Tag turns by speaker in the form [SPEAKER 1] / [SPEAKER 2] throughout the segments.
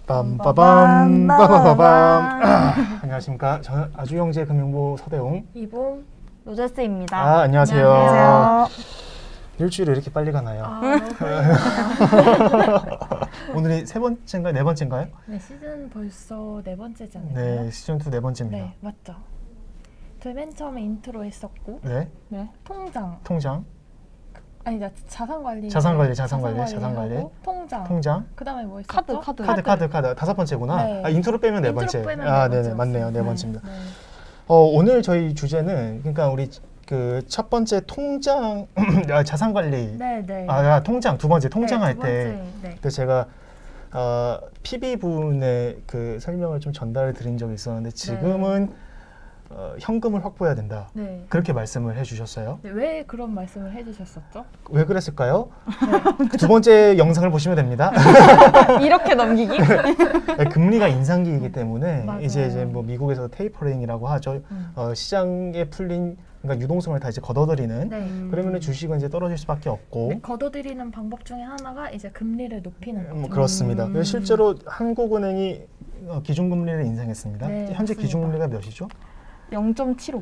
[SPEAKER 1] 빰빠밤 빠바바밤. 안녕하십니까. 저는 아주영재금융부 서대웅
[SPEAKER 2] 이봄
[SPEAKER 1] 로저스입니다. 안녕하세요.
[SPEAKER 2] 안녕하세요.
[SPEAKER 1] 일주일이 이렇게 빨리 가나요?
[SPEAKER 2] 너무 빨리네요.
[SPEAKER 1] 오늘이 세 번째인가요? 네 번째인가요?
[SPEAKER 2] 네, 시즌 벌써 네 번째잖아요.
[SPEAKER 1] 네, 시즌 2 네 번째입니다.
[SPEAKER 2] 네, 맞죠. 저희 맨 처음에 인트로 했었고,
[SPEAKER 1] 네,
[SPEAKER 2] 통장,
[SPEAKER 1] 통장,
[SPEAKER 2] 아니다 자산관리,
[SPEAKER 1] 자산관리,
[SPEAKER 2] 하고, 통장,
[SPEAKER 1] 통장,
[SPEAKER 2] 그다음에 뭐 있었죠?
[SPEAKER 1] 카드 다섯 번째구나.
[SPEAKER 2] 네.
[SPEAKER 1] 아, 인트로 빼면 네
[SPEAKER 2] 인트로
[SPEAKER 1] 번째.
[SPEAKER 2] 빼면
[SPEAKER 1] 아,
[SPEAKER 2] 네
[SPEAKER 1] 네네, 맞네요. 네
[SPEAKER 2] 번째였어요.
[SPEAKER 1] 번째입니다.
[SPEAKER 2] 네.
[SPEAKER 1] 오늘 저희 주제는 그러니까 우리 그 첫 번째 통장 자산관리.
[SPEAKER 2] 네.
[SPEAKER 1] 통장 두 번째 통장 할
[SPEAKER 2] 두
[SPEAKER 1] 때.
[SPEAKER 2] 번째, 네.
[SPEAKER 1] 그 제가 PB 부분의 그 설명을 좀 전달을 드린 적이 있었는데 지금은 현금을 확보해야 된다.
[SPEAKER 2] 네.
[SPEAKER 1] 그렇게 말씀을 해주셨어요.
[SPEAKER 2] 네, 왜 그런 말씀을 해주셨었죠?
[SPEAKER 1] 왜 그랬을까요? 두 번째 영상을 보시면 됩니다.
[SPEAKER 3] 이렇게 넘기기?
[SPEAKER 1] 금리가 인상기이기 때문에
[SPEAKER 2] 맞아요.
[SPEAKER 1] 이제 뭐 미국에서 테이퍼링이라고 하죠. 시장에 풀린 그러니까 유동성을 다 이제 걷어들이는.
[SPEAKER 2] 네.
[SPEAKER 1] 그러면 주식은 이제 떨어질 수밖에 없고.
[SPEAKER 2] 네, 걷어들이는 방법 중에 하나가 이제 금리를 높이는 거죠.
[SPEAKER 1] 그렇습니다. 그래서 실제로 한국은행이 기준금리를 인상했습니다.
[SPEAKER 2] 네,
[SPEAKER 1] 현재
[SPEAKER 2] 맞습니다.
[SPEAKER 1] 기준금리가 몇이죠?
[SPEAKER 3] 0.75.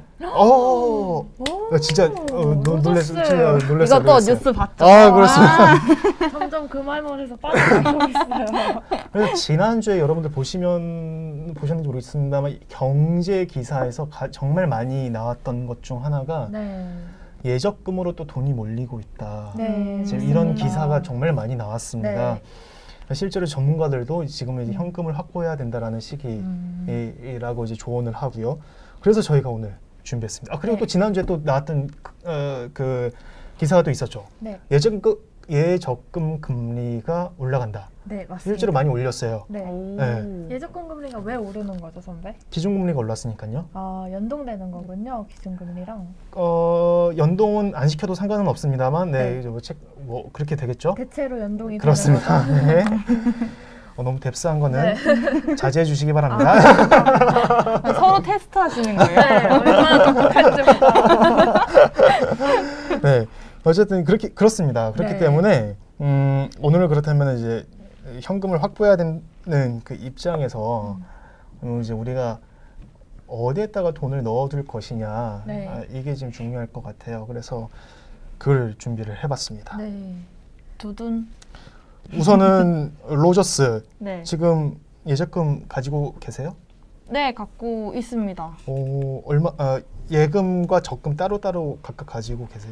[SPEAKER 1] 진짜 놀랐어요.
[SPEAKER 3] 이것도 뉴스 봤죠?
[SPEAKER 1] 그렇습니다.
[SPEAKER 2] 점점 그 말문에서 빠져나가고 있어요.
[SPEAKER 1] 그래서 지난주에 여러분들 보셨는지 모르겠습니다만 경제 기사에서 정말 많이 나왔던 것 중 하나가
[SPEAKER 2] 네.
[SPEAKER 1] 예적금으로 또 돈이 몰리고 있다.
[SPEAKER 2] 네.
[SPEAKER 1] 지금
[SPEAKER 2] 맞습니다.
[SPEAKER 1] 이런 기사가 정말 많이 나왔습니다.
[SPEAKER 2] 네.
[SPEAKER 1] 실제로 전문가들도 지금 이제 현금을 확보해야 된다라는 시기라고 이제 조언을 하고요. 그래서 저희가 오늘 준비했습니다. 그리고
[SPEAKER 2] 네.
[SPEAKER 1] 또 지난주에 또 나왔던 그 기사가 또 있었죠.
[SPEAKER 2] 네.
[SPEAKER 1] 예적금 금리가 올라간다.
[SPEAKER 2] 네, 맞습니다.
[SPEAKER 1] 실제로 많이 올렸어요.
[SPEAKER 2] 네.
[SPEAKER 1] 네.
[SPEAKER 2] 예적금 금리가 왜 오르는 거죠, 선배?
[SPEAKER 1] 기준금리가 올랐으니까요.
[SPEAKER 2] 연동되는 거군요, 기준금리랑.
[SPEAKER 1] 연동은 안 시켜도 상관은 없습니다만,
[SPEAKER 2] 네.
[SPEAKER 1] 뭐 그렇게 되겠죠?
[SPEAKER 2] 대체로 연동이
[SPEAKER 1] 그렇습니다.
[SPEAKER 2] 되는
[SPEAKER 1] 네. 너무 뎁스한 거는 자제해 주시기 바랍니다.
[SPEAKER 3] 서로 테스트 하시는 거예요?
[SPEAKER 2] 네, 얼마나 똑똑한지 보다.
[SPEAKER 1] 네, 어쨌든 그렇습니다. 그렇기
[SPEAKER 2] 네.
[SPEAKER 1] 때문에 오늘은 그렇다면 이제 현금을 확보해야 되는 그 입장에서 이제 우리가 어디에다가 돈을 넣어둘 것이냐
[SPEAKER 2] 네.
[SPEAKER 1] 이게 지금 중요할 것 같아요. 그래서 글 준비를 해봤습니다.
[SPEAKER 2] 네.
[SPEAKER 3] 두둔.
[SPEAKER 1] 우선은 로저스
[SPEAKER 3] 네.
[SPEAKER 1] 지금 예적금 가지고 계세요?
[SPEAKER 3] 네, 갖고 있습니다.
[SPEAKER 1] 예금과 적금 따로따로 각각 가지고 계세요?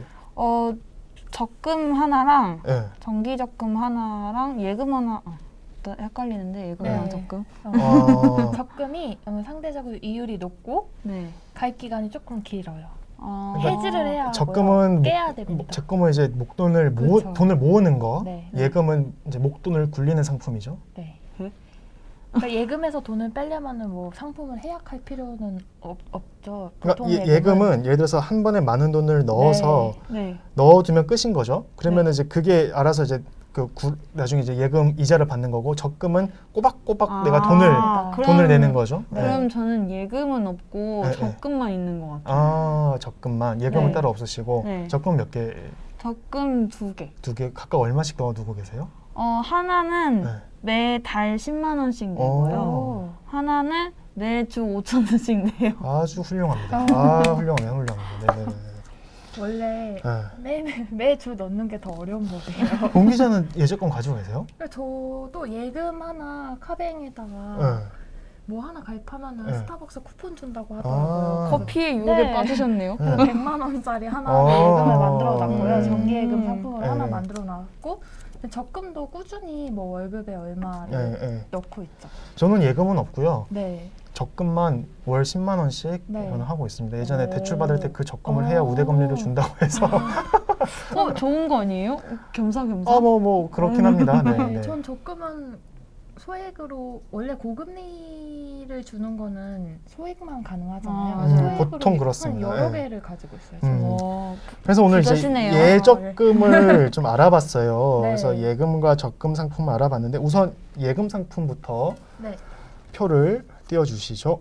[SPEAKER 3] 적금 하나랑
[SPEAKER 1] 네.
[SPEAKER 3] 정기 적금 하나랑 예금 하나. 또 헷갈리는데 예금이랑
[SPEAKER 2] 네.
[SPEAKER 3] 적금.
[SPEAKER 2] 적금이 상대적으로 이율이 높고
[SPEAKER 3] 네.
[SPEAKER 2] 가입 기간이 조금 길어요.
[SPEAKER 1] 그러니까
[SPEAKER 2] 해지를 해야
[SPEAKER 1] 적금은
[SPEAKER 2] 하고요. 깨야 됩니다.
[SPEAKER 1] 적금은 이제 목돈을
[SPEAKER 2] 그렇죠.
[SPEAKER 1] 돈을 모으는 거,
[SPEAKER 2] 네.
[SPEAKER 1] 예금은 이제 목돈을 굴리는 상품이죠.
[SPEAKER 2] 네. 그러니까 예금에서 돈을 빼려면은 뭐 상품을 해약할 필요는 없죠. 보통
[SPEAKER 1] 그러니까 예금은 예를 들어서 한 번에 많은 돈을 넣어서
[SPEAKER 3] 네.
[SPEAKER 1] 넣어두면 끝인 거죠. 그러면
[SPEAKER 2] 네.
[SPEAKER 1] 이제 그게 알아서 이제 나중에 이제 예금 이자를 받는 거고 적금은 꼬박꼬박 내가 돈을 내는 거죠.
[SPEAKER 3] 그럼 저는 예금은 없고
[SPEAKER 1] 네,
[SPEAKER 3] 적금만 있는 것 같아요.
[SPEAKER 1] 적금만 예금은
[SPEAKER 3] 네.
[SPEAKER 1] 따로 없으시고
[SPEAKER 3] 네.
[SPEAKER 1] 적금 몇 개?
[SPEAKER 3] 적금 2개.
[SPEAKER 1] 두 개 각각 얼마씩 넣어두고 계세요?
[SPEAKER 3] 하나는
[SPEAKER 1] 네.
[SPEAKER 3] 매달 10만 원씩 내고요. 하나는 매주 5천 원씩 내요.
[SPEAKER 1] 아주 훌륭합니다. 훌륭합니다. 네네네.
[SPEAKER 2] 원래
[SPEAKER 1] 네.
[SPEAKER 2] 매주 넣는 게 더 어려운 법이에요.
[SPEAKER 1] 공 기자는 예적금 가지고 계세요?
[SPEAKER 2] 그러니까 저도 예금 하나 카뱅에다가
[SPEAKER 1] 네.
[SPEAKER 2] 뭐 하나 가입하면은
[SPEAKER 1] 네.
[SPEAKER 2] 스타벅스 쿠폰 준다고 하더라고요.
[SPEAKER 3] 커피의 유혹에
[SPEAKER 2] 네.
[SPEAKER 3] 빠지셨네요.
[SPEAKER 1] 네.
[SPEAKER 2] 100만 원짜리 하나
[SPEAKER 1] 아.
[SPEAKER 2] 예금을 만들어 놨고요. 정기예금 상품을
[SPEAKER 1] 네.
[SPEAKER 2] 하나 만들어 놨고 적금도 꾸준히 뭐 월급에 얼마를 넣고 있죠.
[SPEAKER 1] 저는 예금은 없고요.
[SPEAKER 2] 네.
[SPEAKER 1] 적금만 월 10만 원씩
[SPEAKER 2] 네.
[SPEAKER 1] 저는 하고 있습니다. 예전에
[SPEAKER 2] 오.
[SPEAKER 1] 대출 받을 때 그 적금을 해야 우대금리를 준다고 해서
[SPEAKER 3] 좋은 거 아니에요? 겸사겸사?
[SPEAKER 1] 뭐 그렇긴 합니다. 네,
[SPEAKER 2] 네.
[SPEAKER 1] 네.
[SPEAKER 2] 전 적금은 소액으로 원래 고금리를 주는 거는 소액만 가능하잖아요. 소액으로
[SPEAKER 1] 보통 그렇습니다.
[SPEAKER 2] 한 여러
[SPEAKER 1] 네.
[SPEAKER 2] 개를 가지고 있어요. 저는.
[SPEAKER 1] 그래서 오늘 이제
[SPEAKER 3] 부자시네요.
[SPEAKER 1] 예적금을 좀 알아봤어요.
[SPEAKER 2] 네.
[SPEAKER 1] 그래서 예금과 적금 상품을 알아봤는데 우선 예금 상품부터
[SPEAKER 2] 네.
[SPEAKER 1] 표를 띄워주시죠.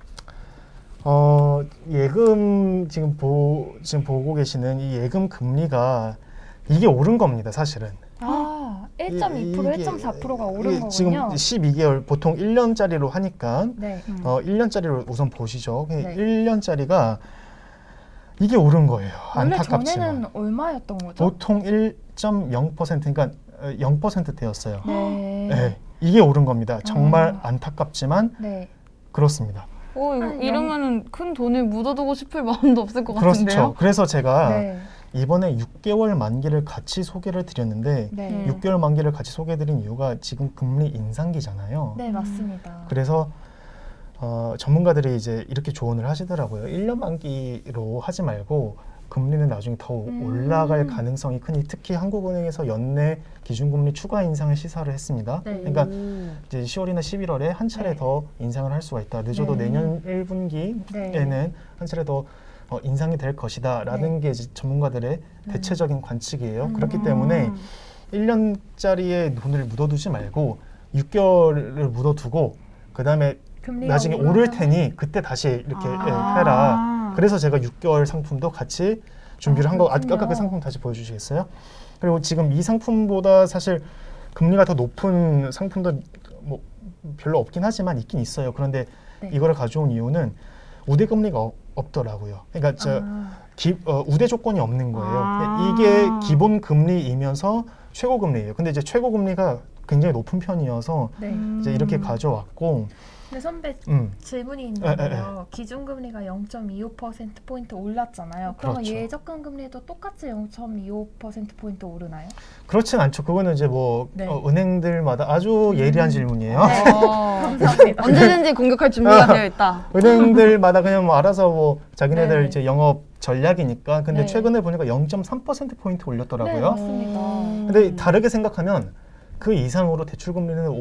[SPEAKER 1] 예금 지금 보고 계시는 이 예금 금리가 이게 오른 겁니다, 사실은.
[SPEAKER 2] 1.2%,
[SPEAKER 1] 이게-
[SPEAKER 2] 1.4%가 오른
[SPEAKER 1] 이게 지금
[SPEAKER 2] 거군요.
[SPEAKER 1] 12개월 보통 1년짜리로 하니까
[SPEAKER 2] 네.
[SPEAKER 1] 1년짜리로 우선 보시죠.
[SPEAKER 2] 네.
[SPEAKER 1] 1년짜리가 이게 오른 거예요.
[SPEAKER 2] 원래
[SPEAKER 1] 안타깝지만.
[SPEAKER 2] 전에는 얼마였던 거죠?
[SPEAKER 1] 보통 1.0% 그러니까 0%대였어요.
[SPEAKER 2] 네.
[SPEAKER 1] 네, 이게 오른 겁니다. 정말 안타깝지만
[SPEAKER 2] 네.
[SPEAKER 1] 그렇습니다.
[SPEAKER 3] 이러면은 큰 돈을 묻어두고 싶을 마음도 없을 것
[SPEAKER 1] 그렇죠.
[SPEAKER 3] 같은데요.
[SPEAKER 1] 그래서 제가
[SPEAKER 2] 네.
[SPEAKER 1] 이번에 6개월 만기를 같이 소개를 드렸는데
[SPEAKER 2] 네.
[SPEAKER 1] 6개월 만기를 같이 소개해드린 이유가 지금 금리 인상기잖아요.
[SPEAKER 2] 네, 맞습니다.
[SPEAKER 1] 그래서 전문가들이 이제 이렇게 조언을 하시더라고요. 1년 만기로 하지 말고 금리는 나중에 더 올라갈 가능성이 크니 특히 한국은행에서 연내 기준금리 추가 인상을 시사를 했습니다.
[SPEAKER 2] 네.
[SPEAKER 1] 그러니까 이제 10월이나 11월에 한 차례
[SPEAKER 2] 네.
[SPEAKER 1] 더 인상을 할 수가 있다. 늦어도
[SPEAKER 2] 네.
[SPEAKER 1] 내년 1분기에는
[SPEAKER 2] 네.
[SPEAKER 1] 한 차례 더 인상이 될 것이다라는 게 이제 전문가들의 대체적인 관측이에요. 그렇기 때문에 1년짜리의 돈을 묻어두지 말고 6개월을 묻어두고 그 다음에
[SPEAKER 2] 금리가
[SPEAKER 1] 나중에
[SPEAKER 2] 오르면
[SPEAKER 1] 오를 테니 그때 다시 이렇게 해라. 그래서 제가 6개월 상품도 같이 준비를 한 거. 아까
[SPEAKER 2] 그렇군요.
[SPEAKER 1] 그 상품 다시 보여주시겠어요? 그리고 지금 이 상품보다 사실 금리가 더 높은 상품도 뭐 별로 없긴 하지만 있긴 있어요. 그런데
[SPEAKER 2] 네.
[SPEAKER 1] 이거를 가져온 이유는 우대 금리가 없더라고요. 그러니까 우대 조건이 없는 거예요. 이게 기본 금리이면서 최고 금리예요. 근데 이제 최고 금리가 굉장히 높은 편이어서
[SPEAKER 2] 네.
[SPEAKER 1] 이제 이렇게 가져왔고.
[SPEAKER 2] 근데 선배 질문이
[SPEAKER 1] 에.
[SPEAKER 2] 있는데요. 기준금리가 0.25%포인트 올랐잖아요. 그러면
[SPEAKER 1] 그렇죠.
[SPEAKER 2] 예적금 금리도 똑같이 0.25%포인트 오르나요?
[SPEAKER 1] 그렇진 않죠. 그거는 이제 뭐
[SPEAKER 2] 네.
[SPEAKER 1] 은행들마다 아주 예리한 질문이에요.
[SPEAKER 2] 네. 감사합니다.
[SPEAKER 3] 언제든지 공격할 준비가 되어 있다.
[SPEAKER 1] 은행들마다 그냥 뭐 알아서 뭐 자기네들
[SPEAKER 2] 네.
[SPEAKER 1] 이제 영업 전략이니까. 근데
[SPEAKER 2] 네.
[SPEAKER 1] 최근에 보니까 0.3%포인트
[SPEAKER 2] 네,
[SPEAKER 1] 올렸더라고요.
[SPEAKER 2] 맞습니다.
[SPEAKER 1] 근데 다르게 생각하면 그 이상으로 대출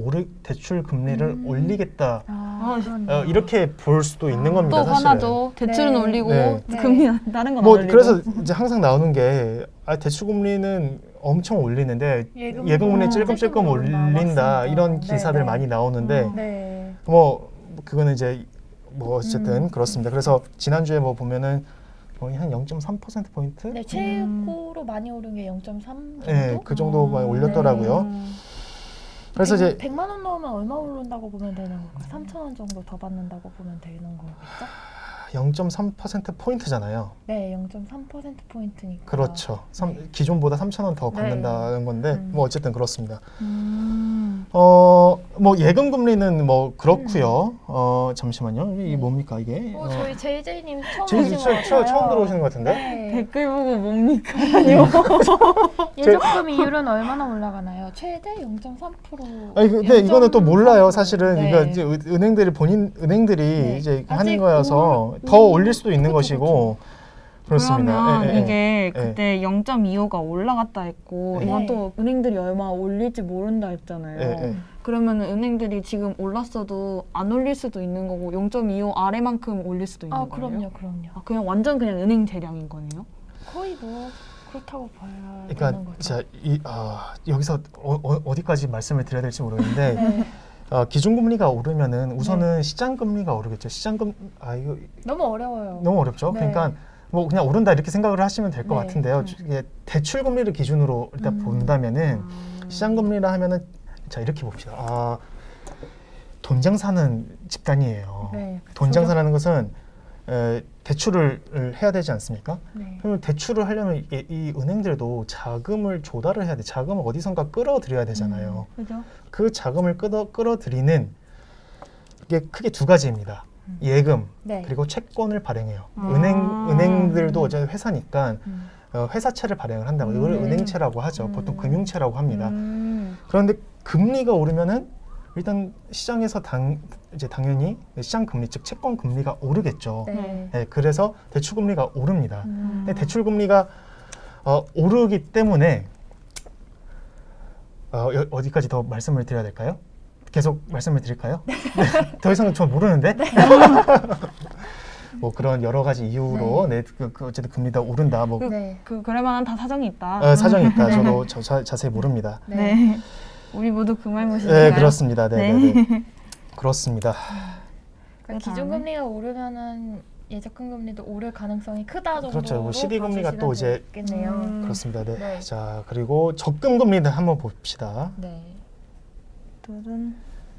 [SPEAKER 1] 금리를 올리겠다.
[SPEAKER 2] 그렇네요.
[SPEAKER 1] 이렇게 볼 수도 있는 겁니다.
[SPEAKER 3] 또
[SPEAKER 1] 사실은.
[SPEAKER 3] 화나죠. 대출은
[SPEAKER 2] 네.
[SPEAKER 3] 올리고
[SPEAKER 1] 네.
[SPEAKER 3] 금리는 다른 건 안
[SPEAKER 1] 뭐
[SPEAKER 3] 올리고.
[SPEAKER 1] 그래서 이제 항상 나오는 게 대출 금리는 엄청 올리는데 예금금리 찔끔찔끔 올린다.
[SPEAKER 2] 맞습니다.
[SPEAKER 1] 이런 기사들
[SPEAKER 2] 네, 네.
[SPEAKER 1] 많이 나오는데
[SPEAKER 2] 네.
[SPEAKER 1] 뭐 그거는 이제 뭐 어쨌든 그렇습니다. 그래서 지난주에 뭐 보면은 거의 한 0.3% 포인트?
[SPEAKER 2] 네, 최고로 많이 오른 게 0.3 정도?
[SPEAKER 1] 네, 그 정도 많이 올렸더라고요. 그래서 이제
[SPEAKER 2] 100만 원 넣으면 얼마 오른다고 보면 되는 건가요? 3,000원 정도 더 받는다고 보면 되는 거겠죠?
[SPEAKER 1] 0.3% 포인트잖아요.
[SPEAKER 2] 네, 0.3%포인트니까.
[SPEAKER 1] 그렇죠.
[SPEAKER 2] 네.
[SPEAKER 1] 기존보다 3,000원 더
[SPEAKER 2] 네.
[SPEAKER 1] 받는다는 건데 뭐 어쨌든 그렇습니다. 뭐 예금 금리는 뭐 그렇고요. 잠시만요. 이게 뭡니까 이게?
[SPEAKER 2] 저희 JJ님 처음
[SPEAKER 1] 제일
[SPEAKER 2] 오신 것 같아요.
[SPEAKER 1] 처음 들어오시는 것 같은데?
[SPEAKER 2] 네.
[SPEAKER 3] 댓글 보고 뭡니까?
[SPEAKER 2] 예적금 이율은 얼마나 올라가나요? 최대 0.3%.
[SPEAKER 1] 아니 근데 이거는 또 몰라요. 사실은
[SPEAKER 2] 네.
[SPEAKER 1] 이거 이제 은행들이
[SPEAKER 2] 네.
[SPEAKER 1] 이제
[SPEAKER 2] 아직
[SPEAKER 1] 하는 거여서
[SPEAKER 2] 올-
[SPEAKER 1] 더 올릴 수도 있는
[SPEAKER 2] 그렇죠,
[SPEAKER 1] 것이고 그렇습니다.
[SPEAKER 3] 그러면
[SPEAKER 1] 예, 예,
[SPEAKER 3] 이게
[SPEAKER 1] 예.
[SPEAKER 3] 그때 0.25가 올라갔다 했고
[SPEAKER 1] 네.
[SPEAKER 3] 이건 또 은행들이 얼마 올릴지 모른다 했잖아요.
[SPEAKER 1] 예, 예.
[SPEAKER 3] 그러면 은행들이 지금 올랐어도 안 올릴 수도 있는 거고 0.25 아래만큼 올릴 수도 있는 거예요?
[SPEAKER 2] 그럼요.
[SPEAKER 3] 그냥 완전 그냥 은행 재량인 거네요?
[SPEAKER 2] 거의 뭐 그렇다고 봐야
[SPEAKER 1] 그러니까
[SPEAKER 2] 되는 거죠.
[SPEAKER 1] 자, 여기서 어디까지 말씀을 드려야 될지 모르겠는데
[SPEAKER 2] 네.
[SPEAKER 1] 기준금리가 오르면은 우선은 시장금리가 오르겠죠. 이거
[SPEAKER 2] 너무 어려워요.
[SPEAKER 1] 너무 어렵죠.
[SPEAKER 2] 네.
[SPEAKER 1] 그러니까 뭐 그냥 오른다 이렇게 생각을 하시면 될 것
[SPEAKER 2] 네.
[SPEAKER 1] 같은데요. 이게 대출금리를 기준으로 일단 본다면은 시장금리라 하면은 자 이렇게 봅시다. 돈 장사는 집단이에요.
[SPEAKER 2] 네.
[SPEAKER 1] 돈 장사라는 것은 대출을 해야 되지 않습니까?
[SPEAKER 2] 네.
[SPEAKER 1] 그러면 대출을 하려면 이 은행들도 자금을 조달을 해야 돼. 자금을 어디선가 끌어들여야 되잖아요.
[SPEAKER 3] 그죠?
[SPEAKER 1] 그 자금을 끌어들이는 게 크게 두 가지입니다. 예금
[SPEAKER 2] 네.
[SPEAKER 1] 그리고 채권을 발행해요.
[SPEAKER 3] 아.
[SPEAKER 1] 은행들도 어차피 회사니까 회사채를 발행을 한다고 이걸 은행채라고 하죠. 보통 금융채라고 합니다. 그런데 금리가 오르면은 일단 시장에서 이제 당연히 시장 금리 즉 채권 금리가 오르겠죠.
[SPEAKER 2] 네.
[SPEAKER 1] 네, 그래서 대출 금리가 오릅니다. 근데 대출 금리가 오르기 때문에 어디까지 더 말씀을 드려야 될까요? 계속 말씀을 드릴까요? 네. 더 이상은 저 모르는데. 뭐 그런 여러 가지 이유로 어쨌든 금리가 오른다. 뭐
[SPEAKER 2] 네.
[SPEAKER 3] 그럴 만한 다 사정이 있다.
[SPEAKER 1] 사정이 있다. 저도 자세히 모릅니다.
[SPEAKER 2] 네.
[SPEAKER 3] 우리 모두 그 말
[SPEAKER 1] 네,
[SPEAKER 3] 무시인가요?
[SPEAKER 1] 그렇습니다. 네. 그렇습니다.
[SPEAKER 2] 그러니까 기준금리가 오르면은 예적금 금리도 오를 가능성이 크다 정도로
[SPEAKER 1] 그렇죠. 12금리가 또 이제
[SPEAKER 2] 겠네요.
[SPEAKER 1] 그렇습니다. 네.
[SPEAKER 2] 네.
[SPEAKER 1] 자, 그리고 적금 금리도 한번 봅시다.
[SPEAKER 2] 네.
[SPEAKER 3] 둘은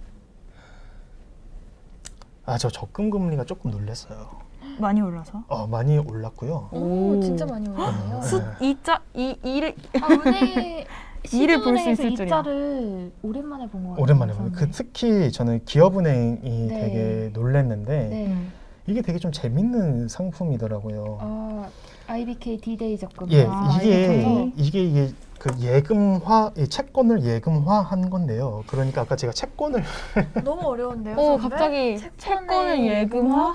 [SPEAKER 1] 저 적금 금리가 조금 놀랐어요.
[SPEAKER 3] 많이 올라서.
[SPEAKER 1] 많이 올랐고요.
[SPEAKER 2] 오, 진짜 많이 올랐네요.
[SPEAKER 1] 네.
[SPEAKER 3] 이를
[SPEAKER 2] 은행
[SPEAKER 3] 이를 볼수
[SPEAKER 2] 시중은행에서
[SPEAKER 3] 있을 줄이야.
[SPEAKER 2] 이자를 오랜만에 본 것 같아요.
[SPEAKER 1] 오랜만에 보는. 특히 저는 기업은행이
[SPEAKER 2] 네.
[SPEAKER 1] 되게 놀랐는데
[SPEAKER 2] 네.
[SPEAKER 1] 이게 되게 좀 재밌는 상품이더라고요.
[SPEAKER 2] IBK D-Day 적금.
[SPEAKER 1] 예,
[SPEAKER 2] IBK.
[SPEAKER 1] 이게 그 예금화, 이 채권을 예금화한 건데요. 그러니까 아까 제가 채권을
[SPEAKER 2] 너무 어려운데요. 선배?
[SPEAKER 3] 갑자기 채권을 예금화?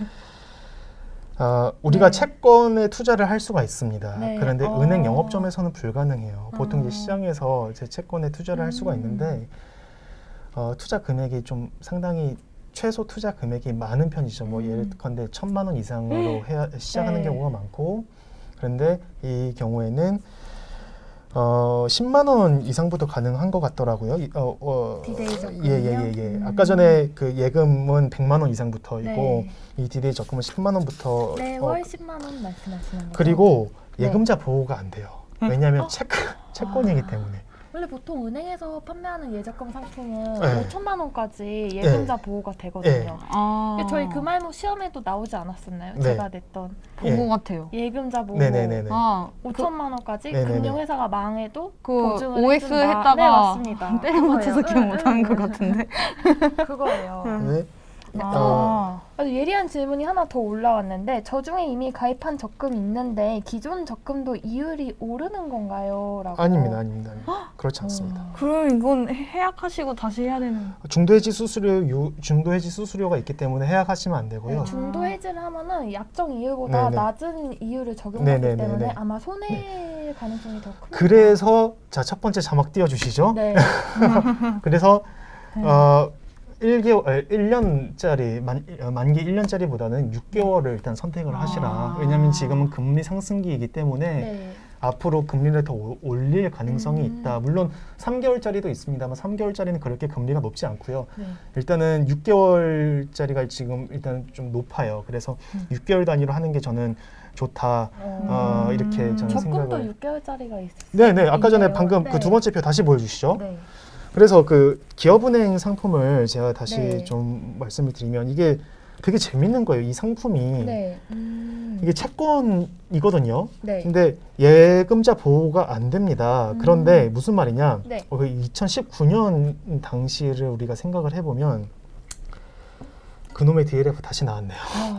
[SPEAKER 1] 우리가
[SPEAKER 2] 네.
[SPEAKER 1] 채권에 투자를 할 수가 있습니다.
[SPEAKER 2] 네.
[SPEAKER 1] 그런데 은행 영업점에서는 불가능해요. 보통 이제
[SPEAKER 2] 아.
[SPEAKER 1] 시장에서 제 채권에 투자를 할 수가 있는데 투자 금액이 좀 상당히 최소 투자 금액이 많은 편이죠. 뭐 예컨대 1,000만 원 이상으로 시작하는
[SPEAKER 2] 네.
[SPEAKER 1] 경우가 많고, 그런데 이 경우에는 10만 원 이상부터 가능한 것 같더라고요.
[SPEAKER 2] D-Day 적금이요?
[SPEAKER 1] 예. 아까 전에 그 예금은 100만 원 이상부터이고
[SPEAKER 2] 네.
[SPEAKER 1] 이 D-Day 적금은 10만 원부터.
[SPEAKER 2] 네, 월 10만 원 말씀하시는 거죠?
[SPEAKER 1] 그리고
[SPEAKER 2] 네.
[SPEAKER 1] 예금자 보호가 안 돼요. 왜냐하면 채권이기 때문에.
[SPEAKER 2] 원래 보통 은행에서 판매하는 예적금 상품은
[SPEAKER 1] 네.
[SPEAKER 2] 5천만 원까지 예금자 보호가 되거든요.
[SPEAKER 1] 네.
[SPEAKER 2] 저희 금알모 시험에도 나오지 않았었나요?
[SPEAKER 1] 네.
[SPEAKER 2] 제가 냈던
[SPEAKER 3] 본것 같아요.
[SPEAKER 2] 예금자 보호
[SPEAKER 1] 네네네네.
[SPEAKER 2] 5천만 원까지
[SPEAKER 1] 네네네.
[SPEAKER 2] 금융회사가 망해도
[SPEAKER 3] 그
[SPEAKER 2] 보증을
[SPEAKER 3] OX
[SPEAKER 2] 해준다.
[SPEAKER 3] 했다가
[SPEAKER 2] 네, 맞습니다.
[SPEAKER 3] 때려 맞춰서 기억
[SPEAKER 2] 그거예요.
[SPEAKER 3] 못하는 것 같은데.
[SPEAKER 2] 그거예요.
[SPEAKER 1] 네.
[SPEAKER 2] 아주 예리한 질문이 하나 더 올라왔는데 저 중에 이미 가입한 적금이 있는데 기존 적금도 이율이 오르는 건가요? 라고.
[SPEAKER 1] 아닙니다. 그렇지 않습니다.
[SPEAKER 3] 그럼 이건 해약하시고 다시 해야 되는.
[SPEAKER 1] 중도해지 수수료가 있기 때문에 해약하시면 안 되고요.
[SPEAKER 2] 중도 해지를 하면은 약정 이율보다
[SPEAKER 1] 네네.
[SPEAKER 2] 낮은 이율을 적용하기
[SPEAKER 1] 네네네네.
[SPEAKER 2] 때문에 아마 손해 가능성이 더 큽니다.
[SPEAKER 1] 그래서 자, 첫 번째 자막 띄워주시죠.
[SPEAKER 2] 네.
[SPEAKER 1] 그래서 1년짜리 만기 1년짜리보다는 6개월을 일단 선택을 하시라. 왜냐하면 지금은 금리 상승기이기 때문에
[SPEAKER 2] 네.
[SPEAKER 1] 앞으로 금리를 더 올릴 가능성이 있다. 물론 3개월짜리도 있습니다만 3개월짜리는 그렇게 금리가 높지 않고요.
[SPEAKER 2] 네.
[SPEAKER 1] 일단은 6개월짜리가 지금 일단 좀 높아요. 그래서 6개월 단위로 하는 게 저는 좋다. 이렇게 저는
[SPEAKER 2] 적금도
[SPEAKER 1] 생각을.
[SPEAKER 2] 6개월짜리가 있어요.
[SPEAKER 1] 네네. 아까 전에 방금
[SPEAKER 2] 네.
[SPEAKER 1] 그 두 번째 표 다시 보여주시죠.
[SPEAKER 2] 네.
[SPEAKER 1] 그래서 그 기업은행 상품을 제가 다시
[SPEAKER 2] 네.
[SPEAKER 1] 좀 말씀을 드리면 이게 되게 재밌는 거예요. 이 상품이
[SPEAKER 2] 네.
[SPEAKER 1] 이게 채권이거든요.
[SPEAKER 2] 네.
[SPEAKER 1] 근데 예금자 보호가 안 됩니다. 그런데 무슨 말이냐?
[SPEAKER 2] 네.
[SPEAKER 1] 2019년 당시를 우리가 생각을 해보면 그놈의 DLF 다시 나왔네요.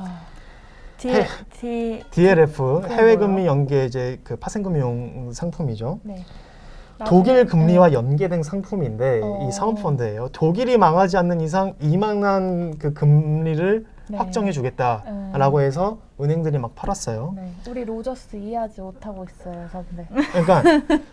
[SPEAKER 1] DLF 해외 금리 연계 이제 그 파생금융 상품이죠.
[SPEAKER 2] 네.
[SPEAKER 1] 독일 금리와 연계된 상품인데 이 사모펀드예요. 독일이 망하지 않는 이상 이만한 그 금리를
[SPEAKER 2] 네.
[SPEAKER 1] 확정해 주겠다라고 해서 은행들이 막 팔았어요.
[SPEAKER 2] 네. 우리 로저스 이해하지 못하고 있어요, 선배.
[SPEAKER 1] 그러니까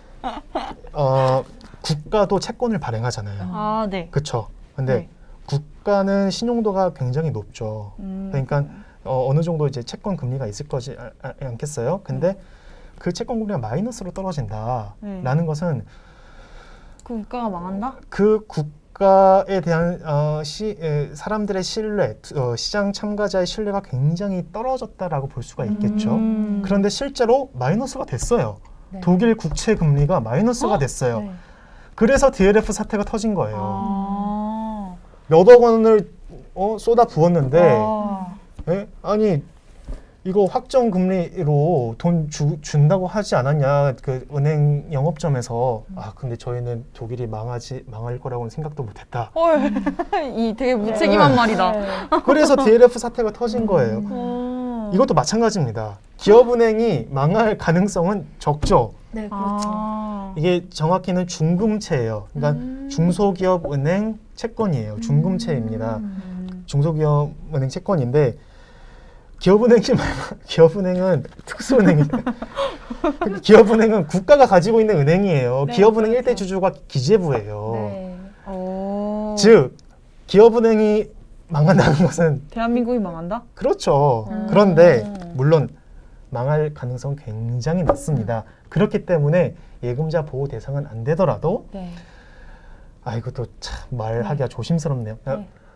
[SPEAKER 1] 국가도 채권을 발행하잖아요.
[SPEAKER 3] 네.
[SPEAKER 1] 그렇죠. 근데
[SPEAKER 3] 네.
[SPEAKER 1] 국가는 신용도가 굉장히 높죠. 그러니까 어느 정도 이제 채권 금리가 있을 거지 않겠어요? 근데 그 채권 금리가 마이너스로 떨어진다라는 것은
[SPEAKER 3] 국가가 망한다?
[SPEAKER 1] 그 국가에 대한 사람들의 신뢰, 시장 참가자의 신뢰가 굉장히 떨어졌다라고 볼 수가 있겠죠. 그런데 실제로 마이너스가 됐어요.
[SPEAKER 2] 네.
[SPEAKER 1] 독일 국채 금리가 마이너스가 됐어요.
[SPEAKER 2] 네.
[SPEAKER 1] 그래서 DLF 사태가 터진 거예요. 몇억 원을 쏟아 부었는데 아니 이거 확정 금리로 돈 준다고 하지 않았냐 그 은행 영업점에서 근데 저희는 독일이 망할 거라고는 생각도 못했다.
[SPEAKER 3] 이 되게 무책임한 말이다.
[SPEAKER 2] 네.
[SPEAKER 1] 그래서 DLF 사태가 터진 거예요. 이것도 마찬가지입니다. 기업은행이 망할 가능성은 적죠.
[SPEAKER 2] 네, 그렇죠.
[SPEAKER 1] 이게 정확히는 중금채예요. 그러니까 중소기업은행 채권이에요. 중금채입니다. 중소기업은행 채권인데 기업은행은 특수은행이에요. 기업은행은 국가가 가지고 있는 은행이에요.
[SPEAKER 2] 네,
[SPEAKER 1] 기업은행
[SPEAKER 2] 그렇죠.
[SPEAKER 1] 일대 주주가 기재부예요.
[SPEAKER 2] 네.
[SPEAKER 1] 즉 기업은행이 망한다는 것은
[SPEAKER 3] 대한민국이 망한다?
[SPEAKER 1] 그렇죠. 그런데 물론 망할 가능성 굉장히 낮습니다. 그렇기 때문에 예금자 보호 대상은 안 되더라도
[SPEAKER 2] 네.
[SPEAKER 1] 이것도 참 말하기가 조심스럽네요.
[SPEAKER 2] 네.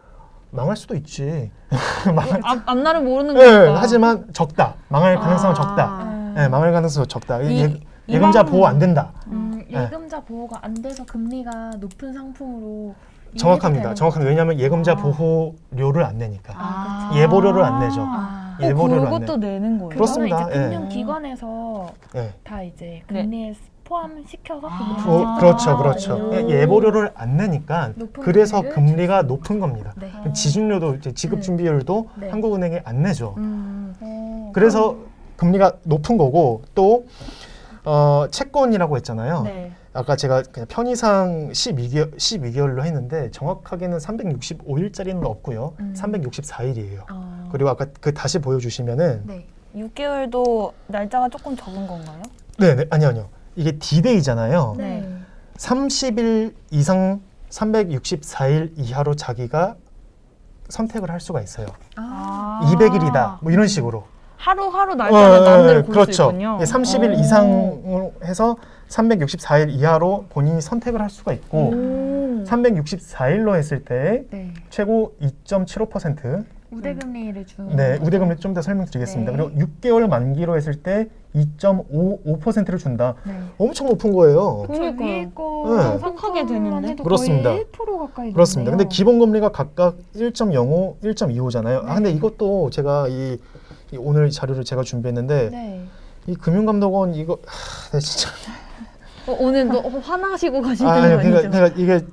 [SPEAKER 1] 망할 수도 있지.
[SPEAKER 3] 앞날을 모르는
[SPEAKER 1] 네,
[SPEAKER 3] 거니까.
[SPEAKER 1] 하지만 적다. 망할 가능성은 적다. 네, 망할 가능성은 적다. 예금자 보호 안 된다.
[SPEAKER 2] 예금자 보호가 안 돼서 금리가 높은 상품으로
[SPEAKER 1] 정확합니다. 정확합니다. 왜냐하면 예금자 보호료를 안 내니까.
[SPEAKER 2] 아,
[SPEAKER 1] 예보료를 안 내죠. 예보료를 안
[SPEAKER 3] 그것도
[SPEAKER 1] 내.
[SPEAKER 3] 내는 거예요.
[SPEAKER 1] 그렇습니다.
[SPEAKER 2] 그거는 이제
[SPEAKER 1] 예.
[SPEAKER 2] 금융기관에서
[SPEAKER 1] 예.
[SPEAKER 2] 다 이제 금리에 포함시켜서
[SPEAKER 1] 그렇죠, 그렇죠. 예보료를 안 내니까
[SPEAKER 2] 높은
[SPEAKER 1] 그래서
[SPEAKER 2] 금리를
[SPEAKER 1] 금리가 높은 겁니다.
[SPEAKER 2] 네.
[SPEAKER 1] 지준료도 이제 지급 준비율도
[SPEAKER 2] 네.
[SPEAKER 1] 한국은행이 안 내죠.
[SPEAKER 3] 어.
[SPEAKER 1] 그래서 금리가 높은 거고 또 채권이라고 했잖아요.
[SPEAKER 3] 네.
[SPEAKER 1] 아까 제가 그냥 편의상 12개월로 했는데 정확하게는 365일짜리는 없고요. 364일이에요. 그리고 아까 그 다시 보여주시면은
[SPEAKER 3] 네. 6개월도 날짜가 조금 적은 건가요?
[SPEAKER 1] 네, 아니요. 이게 D-Day잖아요.
[SPEAKER 2] 네.
[SPEAKER 1] 30일 이상 364일 이하로 자기가 선택을 할 수가 있어요. 200일이다. 뭐 이런 식으로.
[SPEAKER 3] 하루하루 날짜를 마음대로 고를
[SPEAKER 1] 그렇죠.
[SPEAKER 3] 수 있군요.
[SPEAKER 1] 30일 이상으로 해서 364일 이하로 본인이 선택을 할 수가 있고 364일로 했을 때
[SPEAKER 2] 네.
[SPEAKER 1] 최고 2.75%
[SPEAKER 2] 우대금리를 주는
[SPEAKER 1] 네,
[SPEAKER 2] 거죠?
[SPEAKER 1] 우대금리 좀 더 설명드리겠습니다.
[SPEAKER 2] 네.
[SPEAKER 1] 그리고 6개월 만기로 했을 때 2.55%를 준다.
[SPEAKER 2] 네.
[SPEAKER 1] 엄청 높은 거예요.
[SPEAKER 2] 저
[SPEAKER 3] 그러니까요.
[SPEAKER 2] 위에
[SPEAKER 1] 네.
[SPEAKER 2] 거
[SPEAKER 3] 톡하게 되는데?
[SPEAKER 1] 그렇습니다.
[SPEAKER 2] 거의 1% 가까이
[SPEAKER 1] 그렇습니다. 근데
[SPEAKER 2] 되네요.
[SPEAKER 1] 기본 금리가 각각 1.05, 1.25잖아요.
[SPEAKER 2] 네.
[SPEAKER 1] 근데 이것도 제가 이 오늘 자료를 제가 준비했는데
[SPEAKER 2] 네.
[SPEAKER 1] 이 금융감독원 이거 네, 진짜
[SPEAKER 3] 오늘 너무 화나시고 가시는 거
[SPEAKER 1] 아니요.
[SPEAKER 3] 아니죠?
[SPEAKER 1] 그러니까 이게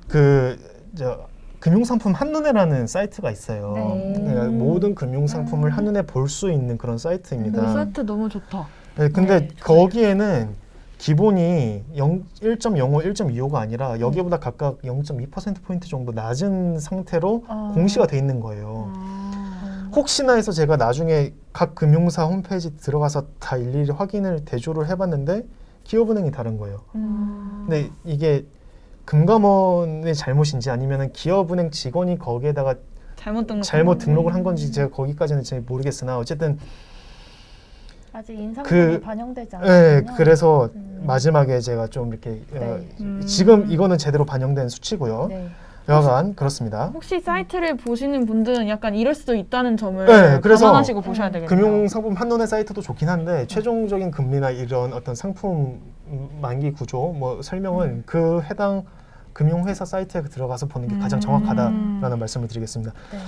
[SPEAKER 1] 금융상품 한눈에라는 사이트가 있어요.
[SPEAKER 2] 네.
[SPEAKER 1] 그러니까 모든 금융상품을 한눈에 볼 수 있는 그런 사이트입니다.
[SPEAKER 3] 그 사이트 너무 좋다.
[SPEAKER 1] 네, 근데
[SPEAKER 2] 네,
[SPEAKER 1] 거기에는 기본이 1.05, 1.25가 아니라 여기보다 각각 0.2%포인트 정도 낮은 상태로 공시가 돼 있는 거예요. 혹시나 해서 제가 나중에 각 금융사 홈페이지 들어가서 다 일일이 확인을 대조를 해봤는데 기업은행이 다른 거예요. 근데 이게 금감원의 잘못인지 아니면 기업은행 직원이 거기에다가 잘못 등록을 한 건지 제가 거기까지는 잘 모르겠으나 어쨌든
[SPEAKER 2] 아직 인상품이 반영되지 않았군요.
[SPEAKER 1] 네, 그래서 마지막에 제가 좀 이렇게 지금 이거는 제대로 반영된 수치고요.
[SPEAKER 2] 네.
[SPEAKER 1] 여하간 그렇습니다.
[SPEAKER 3] 혹시 사이트를 보시는 분들은 약간 이럴 수도 있다는 점을
[SPEAKER 1] 네, 그래서
[SPEAKER 3] 감안하시고 보셔야 되겠네요.
[SPEAKER 1] 금융상품 한눈에 사이트도 좋긴 한데 최종적인 금리나 이런 어떤 상품 만기 구조 뭐 설명은 그 해당 금융회사 사이트에 들어가서 보는 게 가장 정확하다라는 말씀을 드리겠습니다.
[SPEAKER 2] 네.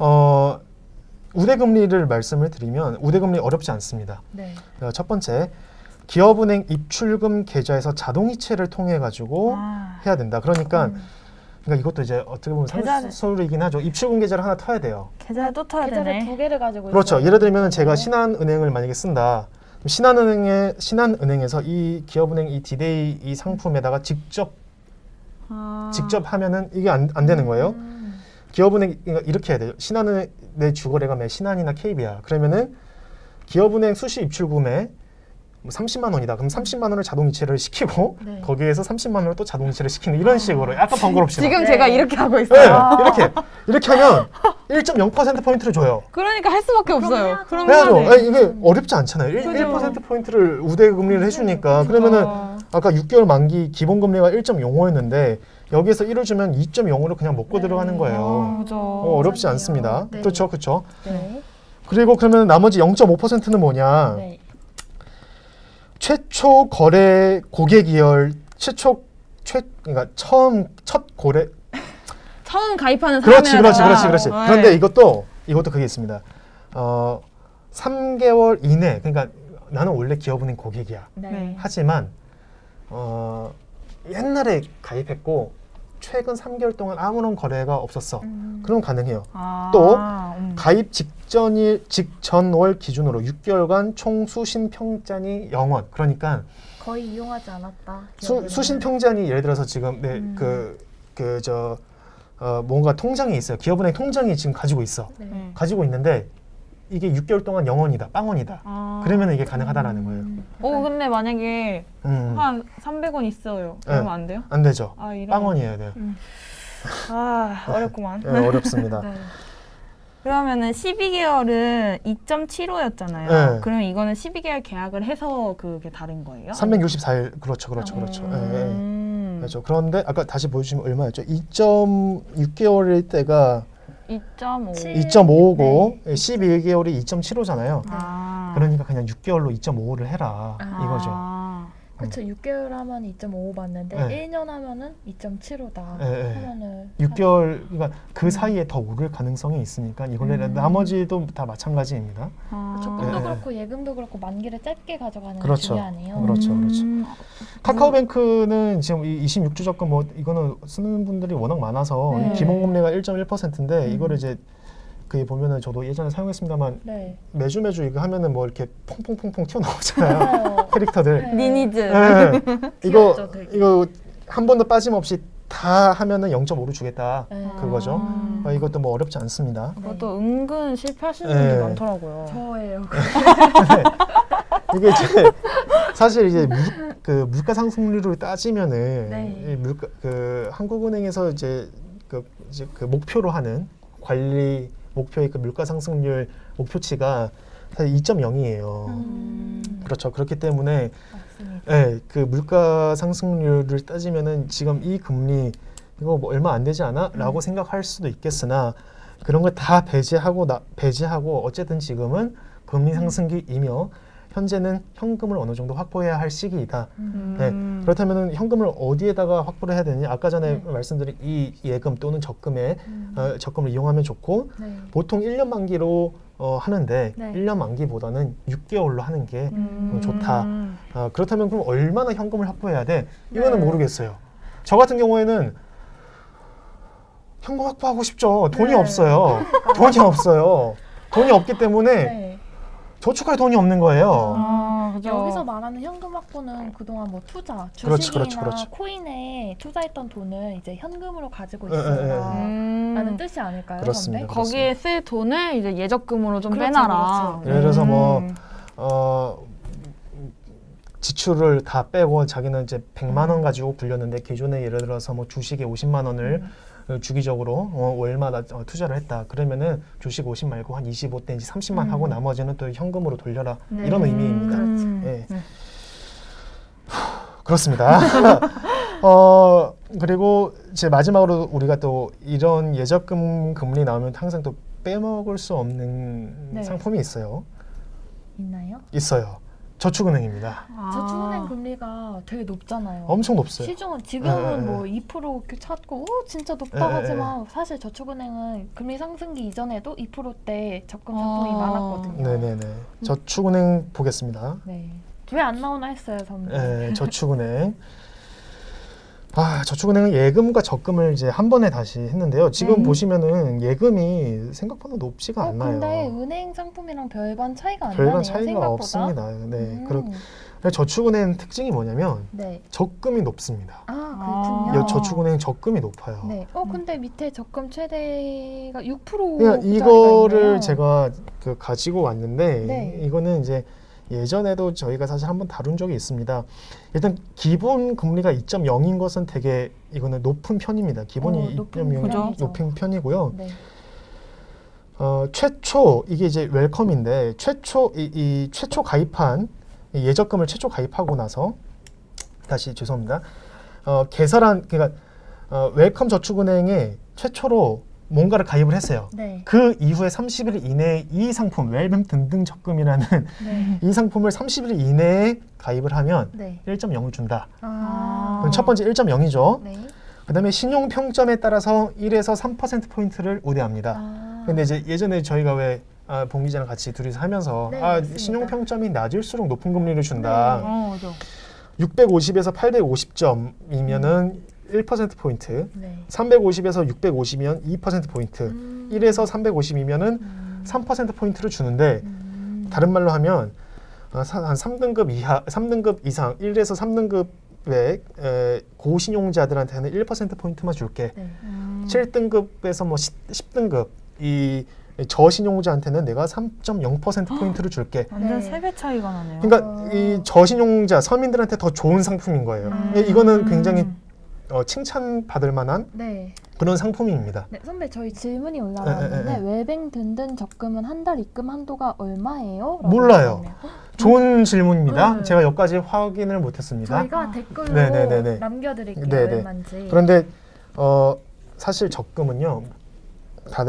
[SPEAKER 1] 우대금리를 말씀을 드리면 우대금리 어렵지 않습니다.
[SPEAKER 2] 네.
[SPEAKER 1] 첫 번째, 기업은행 입출금 계좌에서 자동이체를 통해 가지고 해야 된다. 그러니까 이것도 이제 어떻게 보면 상술이긴 하죠. 입출금 계좌를 하나 터야 돼요.
[SPEAKER 3] 계좌를 또 터야
[SPEAKER 2] 계좌를
[SPEAKER 3] 되네.
[SPEAKER 2] 2개를 가지고
[SPEAKER 1] 그렇죠.
[SPEAKER 2] 있어요.
[SPEAKER 1] 예를 들면 제가 신한은행을 만약에 쓴다. 그럼 신한은행에서 이 기업은행 이 디데이 이 상품에다가 직접 하면은 이게 안 되는 거예요. 기업은행 이렇게 해야 돼요. 신한은행 내 주거래가 매 신한이나 KB야. 그러면은 기업은행 수시 입출금에 30만 원이다. 그럼 30만 원을 자동이체를 시키고
[SPEAKER 2] 네.
[SPEAKER 1] 거기에서 30만 원을 또 자동이체를 시키는 이런 식으로 약간 번거롭지만
[SPEAKER 3] 지금
[SPEAKER 2] 네.
[SPEAKER 3] 제가 이렇게 하고
[SPEAKER 1] 네,
[SPEAKER 3] 있어요.
[SPEAKER 1] 이렇게 하면 1.0% 포인트를 줘요.
[SPEAKER 3] 그러니까 할 수밖에 없어요. 그럼
[SPEAKER 1] 해야죠.
[SPEAKER 3] 해야 돼.
[SPEAKER 1] 아니, 이게 어렵지 않잖아요.
[SPEAKER 3] 그죠.
[SPEAKER 1] 1% 포인트를 우대 금리를 해주니까 그러면은 아까 6개월 만기 기본 금리가 1.05였는데 여기에서 1을 주면 2.0으로 그냥 먹고 들어가는 거예요.
[SPEAKER 3] 그죠.
[SPEAKER 1] 어렵지 않습니다.
[SPEAKER 2] 네.
[SPEAKER 1] 그렇죠, 그렇죠.
[SPEAKER 2] 네.
[SPEAKER 1] 그리고 그러면 나머지 0.5%는 뭐냐?
[SPEAKER 2] 네.
[SPEAKER 1] 최초 거래 고객이열 그러니까 첫 거래
[SPEAKER 3] 처음 가입하는
[SPEAKER 1] 그렇지.
[SPEAKER 3] 사람이라서.
[SPEAKER 1] 그런데 이것도 그게 있습니다. 3개월 이내 그러니까 나는 원래 기업은행 고객이야.
[SPEAKER 2] 네.
[SPEAKER 1] 하지만 옛날에 가입했고 최근 3개월 동안 아무런 거래가 없었어. 그럼 가능해요. 또 가입 직전월 기준으로 6개월간 총 수신 평잔이 0원. 그러니까
[SPEAKER 2] 거의 이용하지 않았다.
[SPEAKER 1] 수신 평잔이 예를 들어서 지금 뭔가 통장이 있어요. 기업은행 통장이 지금 가지고 있어.
[SPEAKER 2] 네.
[SPEAKER 1] 가지고 있는데 이게 6개월 동안 0원이다, 빵원이다. 그러면 이게 가능하다라는 거예요.
[SPEAKER 3] 근데 만약에 한 300원 있어요. 그러면 안 돼요?
[SPEAKER 1] 안 되죠.
[SPEAKER 3] 이런.
[SPEAKER 1] 빵원이어야 돼요.
[SPEAKER 3] 어렵구만.
[SPEAKER 1] 네, 어렵습니다.
[SPEAKER 2] 네.
[SPEAKER 3] 그러면은 12개월은 2.75였잖아요.
[SPEAKER 1] 네.
[SPEAKER 3] 그러면 이거는 12개월 계약을 해서 그게 다른 거예요?
[SPEAKER 1] 364일 그렇죠. 그렇죠. 그런데 아까 다시 보여주시면 얼마였죠? 2.6개월일 때가
[SPEAKER 3] 2.5.
[SPEAKER 1] 2.5고
[SPEAKER 2] 네.
[SPEAKER 1] 12개월이 2.75잖아요.
[SPEAKER 3] 아.
[SPEAKER 1] 그러니까 그냥 6개월로 2.5를 해라 이거죠.
[SPEAKER 2] 그쵸. 6개월 하면 2.5 받는데
[SPEAKER 1] 네.
[SPEAKER 2] 1년 하면은 2.75다
[SPEAKER 1] 네.
[SPEAKER 2] 하면은
[SPEAKER 1] 6개월 그러니까 그 사이에 더 오를 가능성이 있으니까 이걸 나머지도 다 마찬가지입니다.
[SPEAKER 2] 적금도
[SPEAKER 1] 네.
[SPEAKER 2] 그렇고 예금도 그렇고 만기를 짧게 가져가는 게
[SPEAKER 1] 그렇죠.
[SPEAKER 2] 중요하네요.
[SPEAKER 1] 그렇죠. 카카오뱅크는 지금 이 26주 적금 뭐 이거는 쓰는 분들이 워낙 많아서
[SPEAKER 2] 네.
[SPEAKER 1] 기본 금리가 1.1%인데 이거를 이제 그 보면은 저도 예전에 사용했습니다만
[SPEAKER 2] 네.
[SPEAKER 1] 매주 이거 하면은 뭐 이렇게 퐁퐁퐁퐁 튀어나오잖아요.
[SPEAKER 2] 맞아요.
[SPEAKER 1] 캐릭터들.
[SPEAKER 2] 네.
[SPEAKER 3] 니니즈.
[SPEAKER 1] 네.
[SPEAKER 2] 귀엽죠, 되게.
[SPEAKER 1] 이거 한 번도 빠짐없이 다 하면은 0.5를 주겠다.
[SPEAKER 2] 네.
[SPEAKER 1] 그거죠. 이것도 뭐 어렵지 않습니다.
[SPEAKER 3] 그것도 은근 실패하시는
[SPEAKER 1] 네.
[SPEAKER 3] 분들 많더라고요.
[SPEAKER 2] 저예요.
[SPEAKER 1] 이게 이제 사실 이제 물가 상승률을 따지면은
[SPEAKER 2] 네.
[SPEAKER 1] 이 한국은행에서 이제 그 목표로 하는 관리 목표의 그 물가 상승률 목표치가 사실 2.0이에요. 그렇죠. 그렇기 때문에
[SPEAKER 2] 맞습니다.
[SPEAKER 1] 네, 그 물가 상승률을 따지면은 지금 이 금리 이거 뭐 얼마 안 되지 않아?라고 생각할 수도 있겠으나 그런 걸 다 배제하고 어쨌든 지금은 금리 상승기이며 현재는 현금을 어느 정도 확보해야 할 시기이다. 네, 그렇다면 현금을 어디에다가 확보를 해야 되느냐? 아까 전에 말씀드린 이 예금 또는 적금을 이용하면 좋고
[SPEAKER 2] 네.
[SPEAKER 1] 보통 1년 만기로 하는데
[SPEAKER 2] 네.
[SPEAKER 1] 1년 만기보다는 6개월로 하는 게 좋다. 그렇다면 그럼 얼마나 현금을 확보해야 돼? 이거는
[SPEAKER 2] 네.
[SPEAKER 1] 모르겠어요. 저 같은 경우에는 현금 확보하고 싶죠. 돈이
[SPEAKER 2] 네.
[SPEAKER 1] 없어요. 돈이 없어요. 돈이 없기 때문에
[SPEAKER 2] 네.
[SPEAKER 1] 저축할 돈이 없는 거예요.
[SPEAKER 3] 그죠.
[SPEAKER 2] 여기서 말하는 현금 확보는 그동안 뭐 투자,
[SPEAKER 1] 그렇지,
[SPEAKER 2] 주식이나
[SPEAKER 1] 그렇지.
[SPEAKER 2] 코인에 투자했던 돈을 이제 현금으로 가지고
[SPEAKER 1] 예, 예,
[SPEAKER 2] 있어라
[SPEAKER 3] 음.
[SPEAKER 2] 라는 뜻이 아닐까요?
[SPEAKER 1] 그렇습니다.
[SPEAKER 2] 선배?
[SPEAKER 3] 거기에 쓸 돈을 이제 예적금으로 좀
[SPEAKER 2] 그렇죠,
[SPEAKER 3] 빼놔라.
[SPEAKER 2] 그렇죠.
[SPEAKER 1] 예를 들어서 뭐 지출을 다 빼고 자기는 이제 100만 원 가지고 굴렸는데 기존에 예를 들어서 뭐 주식에 50만 원을 주기적으로 월마다 투자를 했다. 그러면은 주식 50 말고 한 25 내지 30만 하고 나머지는 또 현금으로 돌려라.
[SPEAKER 2] 네.
[SPEAKER 1] 이런 의미입니다.
[SPEAKER 2] 그렇죠.
[SPEAKER 1] 예.
[SPEAKER 3] 네.
[SPEAKER 1] 그렇습니다. 그리고 이제 마지막으로 우리가 또 이런 예적금 금리 나오면 항상 또 빼먹을 수 없는
[SPEAKER 2] 네.
[SPEAKER 1] 상품이 있어요.
[SPEAKER 2] 있나요?
[SPEAKER 1] 있어요. 저축은행입니다.
[SPEAKER 2] 저축은행 금리가 되게 높잖아요.
[SPEAKER 1] 엄청 높어요.
[SPEAKER 2] 시중은 지금은
[SPEAKER 1] 네,
[SPEAKER 2] 뭐 2% 이렇게 찾고 진짜 높다
[SPEAKER 1] 네,
[SPEAKER 2] 하지만 사실 저축은행은 금리 상승기 이전에도 2%대 적금 상품이 많았거든요.
[SPEAKER 1] 네네네. 저축은행 보겠습니다.
[SPEAKER 2] 네. 왜 안 나오나 했어요, 선배.
[SPEAKER 1] 네, 저축은행. 저축은행은 예금과 적금을 이제 한 번에 다시 했는데요. 지금 보시면은 예금이 생각보다 높지가 않나요.
[SPEAKER 2] 근데 은행 상품이랑 별반 차이가 안
[SPEAKER 1] 별반
[SPEAKER 2] 나네요,
[SPEAKER 1] 차이가
[SPEAKER 2] 생각보다.
[SPEAKER 1] 없습니다. 네, 저축은행 특징이 뭐냐면
[SPEAKER 2] 네.
[SPEAKER 1] 적금이 높습니다.
[SPEAKER 2] 그렇군요.
[SPEAKER 1] 저축은행 적금이 높아요.
[SPEAKER 2] 네. 근데 밑에 적금 최대가 6%.
[SPEAKER 1] 그러니까 이거를 제가 가지고 왔는데
[SPEAKER 2] 네.
[SPEAKER 1] 이거는 이제 예전에도 저희가 사실 한번 다룬 적이 있습니다. 일단 기본 금리가 2.0인 것은 되게 이거는 높은 편입니다. 기본이
[SPEAKER 2] 높은
[SPEAKER 1] 2.0이
[SPEAKER 2] 편이죠.
[SPEAKER 1] 높은 편이고요.
[SPEAKER 2] 네.
[SPEAKER 1] 최초 이게 이제 웰컴인데 최초 이 최초 가입한 이 예적금을 최초 가입하고 나서 다시 죄송합니다. 그러니까 웰컴 저축은행에 최초로 뭔가를 가입을 했어요.
[SPEAKER 2] 네.
[SPEAKER 1] 그 이후에 30일 이내에 이 상품 웰컴 등등 적금이라는
[SPEAKER 2] 네.
[SPEAKER 1] 이 상품을 30일 이내에 가입을 하면
[SPEAKER 2] 네.
[SPEAKER 1] 1.0을 준다.
[SPEAKER 2] 아.
[SPEAKER 1] 첫 번째 1.0이죠.
[SPEAKER 2] 네.
[SPEAKER 1] 그다음에 신용 평점에 따라서 1에서 3% 포인트를 우대합니다. 근데 이제 예전에 저희가 왜 봉 기자랑 같이 둘이서 하면서
[SPEAKER 2] 네, 맞습니다.
[SPEAKER 1] 신용 평점이 낮을수록 높은 금리를 준다.
[SPEAKER 3] 그죠.
[SPEAKER 1] 650에서 850점이면은 1% 포인트.
[SPEAKER 2] 네.
[SPEAKER 1] 350에서 650이면 2% 포인트. 1에서 350이면은 3% 포인트를 주는데 다른 말로 하면 한 3등급 이하, 3등급 이상, 1에서 3등급의 고신용자들한테는 1% 포인트만 줄게.
[SPEAKER 2] 네.
[SPEAKER 1] 7등급에서 뭐 10등급 이 저신용자한테는 내가 3.0% 포인트를 줄게.
[SPEAKER 3] 완전
[SPEAKER 2] 네.
[SPEAKER 3] 3배 차이가 나네요.
[SPEAKER 1] 그러니까 이 저신용자 서민들한테 더 좋은 상품인 거예요. 이거는 굉장히 칭찬받을 만한
[SPEAKER 2] 네.
[SPEAKER 1] 그런 상품입니다.
[SPEAKER 2] 네, 선배 저희 질문이 올라왔는데 웰뱅 든든 적금은 한 달 입금 한도가 얼마예요? 라고
[SPEAKER 1] 몰라요.
[SPEAKER 2] 물어봤네요.
[SPEAKER 1] 좋은 질문입니다.
[SPEAKER 2] 네.
[SPEAKER 1] 제가 여기까지 확인을 못했습니다.
[SPEAKER 2] 저희가 댓글로
[SPEAKER 1] 네네네네.
[SPEAKER 2] 남겨드릴게요.
[SPEAKER 1] 네네.
[SPEAKER 2] 얼마인지.
[SPEAKER 1] 그런데 사실 적금은요, 다들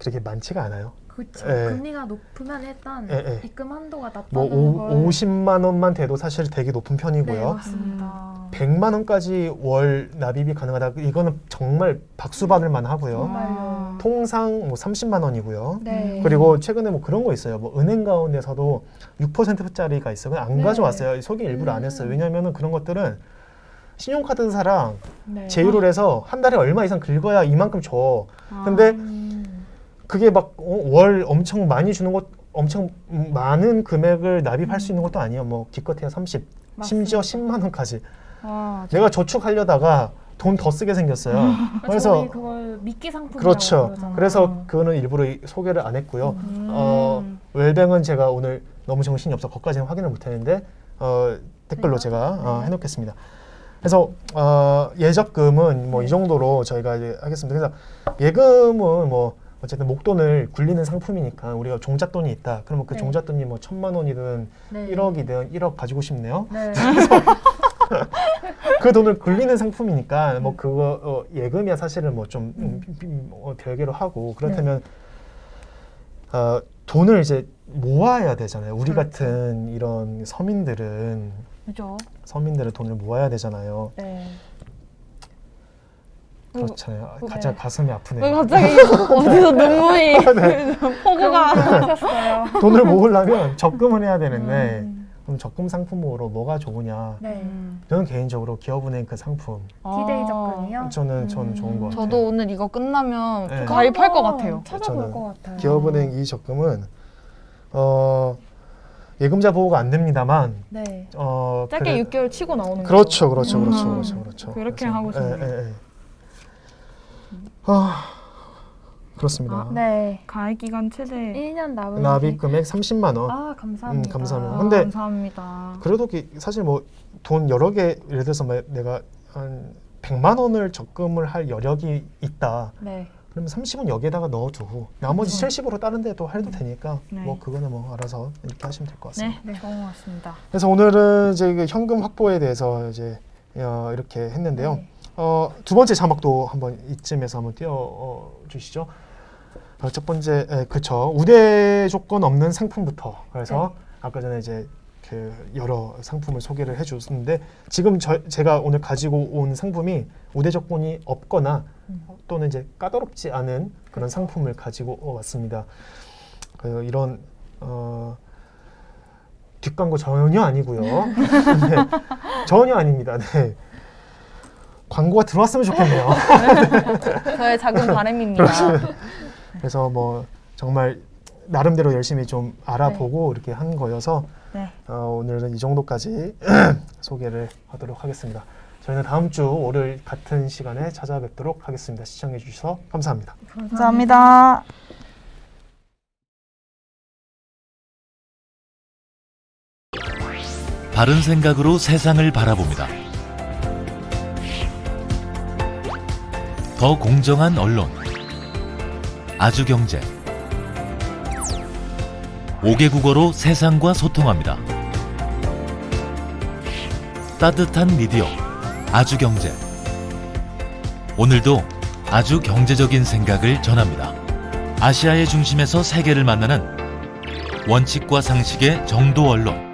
[SPEAKER 1] 그렇게 많지가 않아요.
[SPEAKER 2] 그렇죠.
[SPEAKER 1] 예.
[SPEAKER 2] 금리가 높으면 일단
[SPEAKER 1] 예, 예.
[SPEAKER 2] 입금 한도가 낮다는
[SPEAKER 1] 뭐
[SPEAKER 2] 걸
[SPEAKER 1] 50만 원만 돼도 사실 되게 높은
[SPEAKER 2] 네,
[SPEAKER 1] 편이고요.
[SPEAKER 2] 맞습니다.
[SPEAKER 1] 100만 원까지 월 납입이 가능하다. 이거는 정말 박수 받을 만하고요.
[SPEAKER 2] 정말요.
[SPEAKER 1] 통상 뭐 30만 원이고요.
[SPEAKER 2] 네.
[SPEAKER 1] 그리고 최근에 뭐 그런 거 있어요. 뭐 은행 가운데서도 6%짜리가 있어요. 그냥 안
[SPEAKER 2] 네.
[SPEAKER 1] 가져왔어요. 소개 일부러 안 했어요. 왜냐면은 그런 것들은 신용카드사랑
[SPEAKER 2] 네.
[SPEAKER 1] 제휴를 해서 한 달에 얼마 이상 긁어야 이만큼 줘. 근데 그게 막 월 엄청 많이 주는 것, 엄청 많은 금액을 납입할 수 있는 것도 아니에요. 뭐 기껏해야 30, 심지어 10만 원까지. 내가 저축하려다가 돈 더 쓰게 생겼어요. 그래서
[SPEAKER 2] 저희 그걸 미끼 상품이라고
[SPEAKER 1] 그렇죠.
[SPEAKER 2] 그러잖아요.
[SPEAKER 1] 그래서 그거는 일부러 소개를 안 했고요. 웰뱅은 제가 오늘 너무 정신이 없어 거기까지는 확인을 못했는데 댓글로
[SPEAKER 2] 네.
[SPEAKER 1] 제가
[SPEAKER 2] 네.
[SPEAKER 1] 해놓겠습니다. 그래서 예적금은 뭐 이 정도로 저희가 이제 하겠습니다. 그래서 예금은 뭐 어쨌든 목돈을 굴리는 상품이니까 우리가 종잣돈이 있다. 그러면 그
[SPEAKER 2] 네.
[SPEAKER 1] 종잣돈이 뭐 1,000만 원이든
[SPEAKER 2] 네.
[SPEAKER 1] 1억이든 1억 가지고 싶네요.
[SPEAKER 2] 네.
[SPEAKER 1] 그 돈을 굴리는 상품이니까 뭐 그거 예금이야 사실은 뭐 좀 별개로 하고 그렇다면 돈을 이제 모아야 되잖아요. 우리
[SPEAKER 2] 그렇죠.
[SPEAKER 1] 같은 이런 서민들은 돈을 모아야 되잖아요.
[SPEAKER 2] 네.
[SPEAKER 1] 그렇잖아요.
[SPEAKER 3] 네.
[SPEAKER 1] 가장 가슴이 아프네요.
[SPEAKER 3] 왜 갑자기 어디서 눈물이 포구가
[SPEAKER 2] 하셨어요.
[SPEAKER 1] 돈을 모으려면 적금을 해야 되는데 그럼 적금 상품으로 뭐가 좋으냐?
[SPEAKER 2] 네.
[SPEAKER 1] 저는 개인적으로 기업은행 그 상품
[SPEAKER 2] 디데이 적금이요?
[SPEAKER 1] 저는 좋은 것 같아요.
[SPEAKER 3] 저도 오늘 이거 끝나면
[SPEAKER 1] 네.
[SPEAKER 3] 가입할 것 같아요.
[SPEAKER 2] 찾아볼
[SPEAKER 1] 저는
[SPEAKER 2] 것 같아요.
[SPEAKER 1] 기업은행 이 적금은 예금자 보호가 안 됩니다만
[SPEAKER 2] 네.
[SPEAKER 3] 짧게 6개월 치고 나오는
[SPEAKER 1] 그렇죠,
[SPEAKER 3] 거죠.
[SPEAKER 1] 그렇죠.
[SPEAKER 3] 그렇게
[SPEAKER 1] 그래서,
[SPEAKER 3] 하고 싶네요.
[SPEAKER 1] 예. 그렇습니다.
[SPEAKER 2] 네.
[SPEAKER 3] 가입 기간 최대
[SPEAKER 2] 1년 남은
[SPEAKER 1] 납입 금액 30만 원.
[SPEAKER 2] 감사합니다.
[SPEAKER 1] 감사합니다. 근데
[SPEAKER 3] 감사합니다.
[SPEAKER 1] 그래도 사실 뭐 돈 여러 개 예를 들어서 내가 한 100만 원을 적금을 할 여력이 있다.
[SPEAKER 2] 네.
[SPEAKER 1] 그러면 30은 여기에다가 넣어두고 나머지 70으로 다른 데도 해도 되니까
[SPEAKER 3] 네.
[SPEAKER 1] 뭐 그거는 뭐 알아서 이렇게 하시면 될 것 같습니다.
[SPEAKER 3] 네, 좋은 것 같습니다.
[SPEAKER 1] 그래서 오늘은 이제 그 현금 확보에 대해서 이제 이렇게 했는데요.
[SPEAKER 2] 네.
[SPEAKER 1] 두 번째 자막도 한번 이쯤에서 한번 띄워 주시죠. 첫 번째, 그쵸. 우대 조건 없는 상품부터. 그래서 아까 전에 이제 그 여러 상품을 소개를 해줬는데 지금 제가 오늘 가지고 온 상품이 우대 조건이 없거나 또는 이제 까다롭지 않은 그런 상품을 가지고 왔습니다. 이런 뒷광고 전혀 아니고요. 네, 전혀 아닙니다. 네. 광고가 들어왔으면 좋겠네요.
[SPEAKER 3] 저의 작은 바람입니다.
[SPEAKER 1] 그래서 뭐 정말 나름대로 열심히 좀 알아보고 이렇게 한 거여서
[SPEAKER 3] 네.
[SPEAKER 1] 오늘은 이 정도까지 소개를 하도록 하겠습니다. 저희는 다음 주 월요일 같은 시간에 찾아뵙도록 하겠습니다. 시청해 주셔서 감사합니다.
[SPEAKER 3] 감사합니다.
[SPEAKER 4] 바른 생각으로 세상을 바라봅니다. 더 공정한 언론, 아주경제. 5개 국어로 세상과 소통합니다. 따뜻한 미디어, 아주경제. 오늘도 아주 경제적인 생각을 전합니다. 아시아의 중심에서 세계를 만나는 원칙과 상식의 정도 언론.